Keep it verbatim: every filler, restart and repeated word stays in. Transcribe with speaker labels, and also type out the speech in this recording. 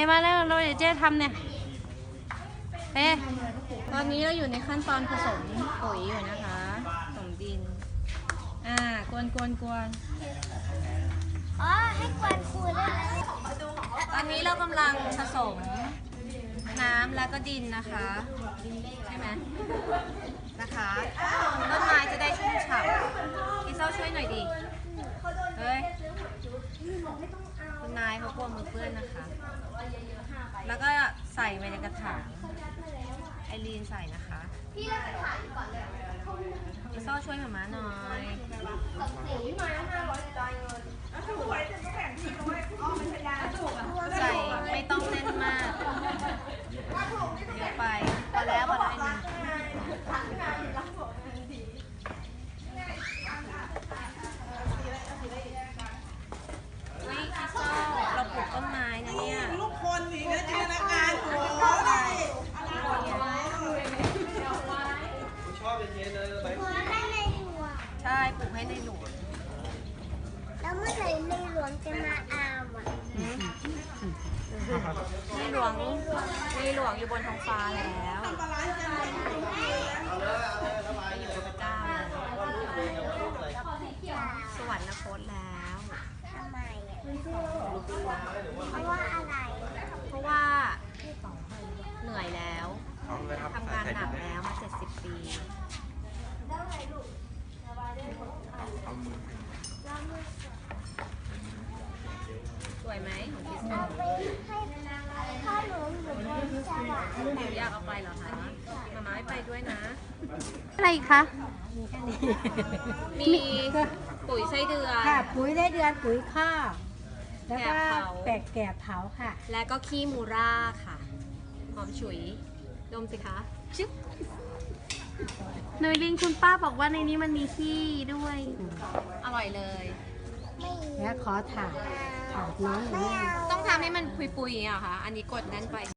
Speaker 1: มาแล้วเราเดี๋ยวเจ๊ทำเนี่ยเป้ตอนนี้เราอยู่ในขั้นตอนผสมปุ๋ยอยู่นะคะผสมดินอ่ากวนกวนกวน
Speaker 2: อ๋อให้กวนคูได้ไหม
Speaker 1: ตอนนี้เรากำลังผสมน้ำแล้วก็ดินนะคะใช่ไหมนะคะต้นไม้จะได้ชุ่มฉ่ำพี่เศร้าช่วยหน่อยดิเฮ้ยคุณนายเขากลัวมือเปื้อนนะคะแล้วก็ใส่ไปในกระถางไอรีนใส่นะคะพี่เล่นกระถางก่อนเลยพี่เศร้าช่วยหมาม้าหน่อยใส่ไม่ต้องแน่นมากเยอะไปพอแล้วพอแล้วนี่พี่เศร้าเราปลูกต้นไม้นะเนี่ย
Speaker 3: ลูกคนอีกนะจินตนาการโอ้ยชอบเย็นๆเลยใบ
Speaker 2: คูให้ในหลวง
Speaker 1: ใช่ปลูกให้ในหลวง
Speaker 2: แล้วเมื่อไหร่ในหลวงจะมาเอาอ่ะ
Speaker 1: ในหลวงในหลวงอยู่บนท้องฟ้าแล้วอยู่กับพระเจ้าสวรรคตแล้ว
Speaker 2: ทำไมอ่ะเพราะว่าอะไร
Speaker 1: เพราะว่าเหนื่อยแล้วทำงานหนักแล้วมาเจ็ดสิบปีสวยไหมของคิส
Speaker 2: เอาไปให้พ่อหนูอยู่บนสวรรค์
Speaker 1: หนูอยากเอาไปเหรอคะมาม่าไม่ไปด้วยนะอะไรคะมีปุ๋ยไส้เดือน
Speaker 4: ค่ะปุ๋ยได้เดือนปุ๋ยข้าวแล้วก็
Speaker 1: แกะเผา
Speaker 4: แปะแกะเผาค่ะ
Speaker 1: และก็ขี้มูร่าค่ะหอมฉุยดมสิคะชึบเนยลินคุณป้าบอกว่าในนี้มันมีขี้ด้วย อร่อยเลย
Speaker 2: ไม่
Speaker 4: แล้วขอถามถามน้องหน่อย
Speaker 2: ไม่เอา
Speaker 1: ต้องทำให้มันปุยๆอ่ะค่ะ อันนี้กดแน่นไป